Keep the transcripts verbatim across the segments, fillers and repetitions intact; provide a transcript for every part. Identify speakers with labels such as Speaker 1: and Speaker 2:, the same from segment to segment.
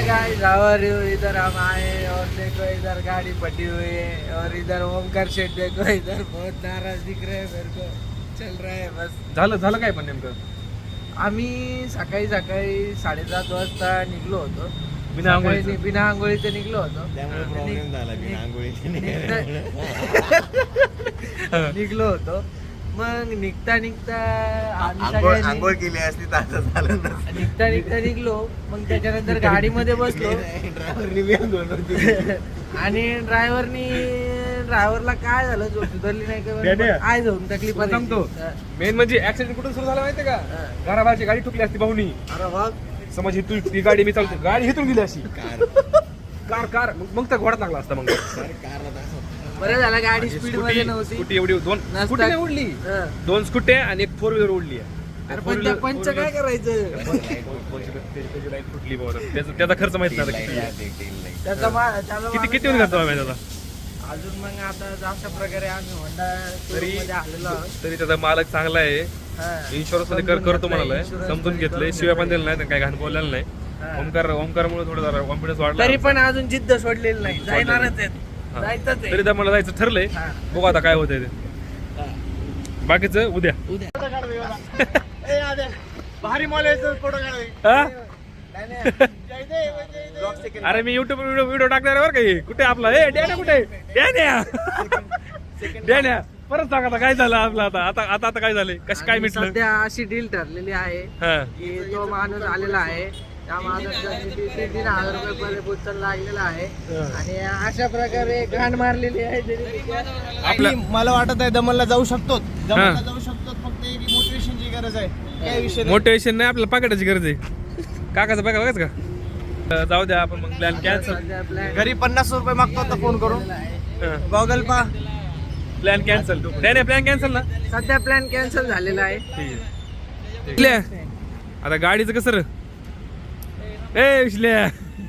Speaker 1: High guys, how are you? इधर हम आए और देखो इधर गाड़ी फटी हुई है और इधर ओमकार शेठ देखो इधर बहुत नाराज दिख रहे हैं मेरे को. चल रहा है बस.
Speaker 2: झालं झालं काय पण नेमकं?
Speaker 1: आम्ही सकाळी सकाळी साडेसात वाजता निघलो होतो.
Speaker 2: बिना
Speaker 1: सकाळी
Speaker 2: आंघोळीचं?
Speaker 1: नि- बिना आंघोळीचं निघलो होतो.
Speaker 3: त्यामुळे प्रॉब्लेम झाला बिना आंघोळीचे
Speaker 1: निघलो होतो. मग निघता निघता आम्ही
Speaker 3: आंघोळ
Speaker 1: सगळ्यांनी-
Speaker 3: आंघोळ केली असती तर असं झालं नसतं.
Speaker 1: निघता निघता निघलो. मग त्याच्यानंतर गाडीमध्ये बसलो
Speaker 3: ड्रायव्हरनी वेळ बनवली.
Speaker 1: आणि ड्रायव्हरनी ड्रायव्हरला काय झालं जो सुधारली नाही का
Speaker 2: डेड्या.
Speaker 1: बरं, काय जाऊन तकलीफ
Speaker 2: तुला सांगतो मेन म्हणजे ऍक्सिडेंट कुठून सुरू झाला माहितीये का?
Speaker 1: हा.
Speaker 2: घराबाहेरची गाडी ठुकली असती भाऊनी.
Speaker 1: अरे वा.
Speaker 2: समज ही तू ती गाडी मी चालतो गाडी हिथून गेली अशी
Speaker 3: कार
Speaker 2: कार कार मग मग तर घोडात लागला असता मग
Speaker 3: कारला तसं.
Speaker 1: बरं झालं गाडी स्पीड मध्ये नव्हती.
Speaker 2: स्कूटी एवढी दोन
Speaker 1: नसता-
Speaker 2: स्कूटी नाही उडली,
Speaker 1: हं.
Speaker 2: दोन स्कूट्या आणि एक फोर व्हीलर उडली
Speaker 1: अरे पण त्या पंच काय करायचं
Speaker 2: त्याची लाईट फुटली बाबा. त्याचा त्याचा खर्च माहित नाही आता
Speaker 3: Tail
Speaker 2: किती
Speaker 3: light आहे, tail light.
Speaker 1: त्याचा मा- त्याचा
Speaker 2: किती
Speaker 1: माणूस
Speaker 2: किती होऊन जातो आम्ही त्याचा
Speaker 1: अजून मग आता अशा प्रकारे आम्ही होंडा
Speaker 2: तरी
Speaker 1: मध्ये आलेलो आहोत.
Speaker 2: तरी त्याचा मालक चांगला आहे.
Speaker 1: हं.
Speaker 2: इन्शुरन्स मध्ये कर
Speaker 1: समजून
Speaker 2: करतो
Speaker 1: घेतलंय,
Speaker 2: म्हणालाय,
Speaker 1: insurance
Speaker 2: समजून
Speaker 1: मध्ये
Speaker 2: घेतलंय,
Speaker 1: करून
Speaker 2: शिवाय पण
Speaker 1: घेतलंय.
Speaker 2: दिलं नाही, काही घाण बोललेलं नाही.
Speaker 1: हा.
Speaker 2: ओमकार ओमकारमुळे थोडं जरा कॉन्फिडन्स वाढला.
Speaker 1: तरी पण अजून जिद्द सोडलेली नाही. जाणारच आहेत.
Speaker 2: हा.
Speaker 1: जायचंच
Speaker 2: तरी
Speaker 1: आहे.
Speaker 2: तर मला जायचं ठरलंय.
Speaker 1: हा.
Speaker 2: बघू आता काय होतंय ते. बाकीचं उद्या.
Speaker 1: भारी मॉल फोटो
Speaker 2: हा? अरे मी युट्यूब व्हिडिओ व्हिडिओ टाकणार आहे बरं काही. कुठे आपला ए डॅन्या कुठे डॅन्या डॅन्या परत सांग आता काय झालं आपलं आता आता आता आता काय झालंय कसं काय
Speaker 1: आणि
Speaker 2: मिटलं?
Speaker 1: सध्या अशी डील ठरलेली आहे
Speaker 2: हा
Speaker 1: की तो माणूस आलेला आहे. त्या माणूसला किती तीन तीन हजार रुपये पर्यंत उचल लागलेला आहे आणि अशा प्रकारे घाण मारलेली आहे ज्याने
Speaker 2: आपल्या
Speaker 4: मला वाटत आहे दमनला जाऊ शकतो
Speaker 2: हा.
Speaker 4: दमनला जाऊ शकतो फक्त एक मोटिवेशनची गरज आहे. काय विषय नाही.
Speaker 2: मोटिवेशन नाही आपल्याला पाकिटाची गरज आहे. काकाचं बघा बघाच का अं, जाऊ द्या आपण मग प्लॅन कॅन्सल.
Speaker 1: सध्या plan
Speaker 4: घरी पन्नास रुपये मागतो आता फोन करून
Speaker 1: केलेला आहे.
Speaker 4: गॉगल पा
Speaker 2: प्लॅन कॅन्सल नाही नाही प्लॅन कॅन्सल ना.
Speaker 1: सध्या प्लॅन कॅन्सल झालेला आहे.
Speaker 2: ठीक आहे आता गाडीचं कसं रे? ए विश्ल्या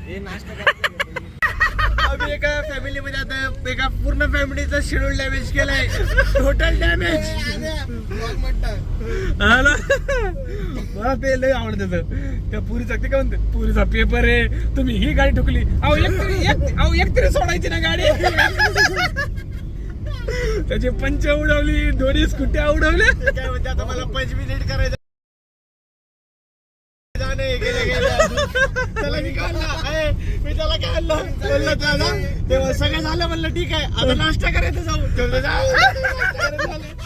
Speaker 4: आम्ही एका फॅमिली मध्ये आता एका पूर्ण फॅमिलीचा शेड्यूल डॅमेज केलाय. Total damage.
Speaker 2: हा ना? मला ते लय आवडत त्या पुरीचा ते काय म्हणते पुरीचा पेपर आहे तुम्ही ही गाडी ठोकली. अहो एक तरी एक अहो एक तरी सोडायची ना गाडी. त्याची पंच उडवली दोन्ही स्कुट्या उडवल्या.
Speaker 4: काय म्हणते आता मला पंच मिनिट करायचं जाणे गेले गेले त्याला मी काय म्हणलं, "अय, मी त्याला काय म्हणलं बोललो त्याला तेव्हा सगळं झालं म्हणलं ठीक आहे आता नाश्ता करायचं जाऊ. तो म्हणला, "जा."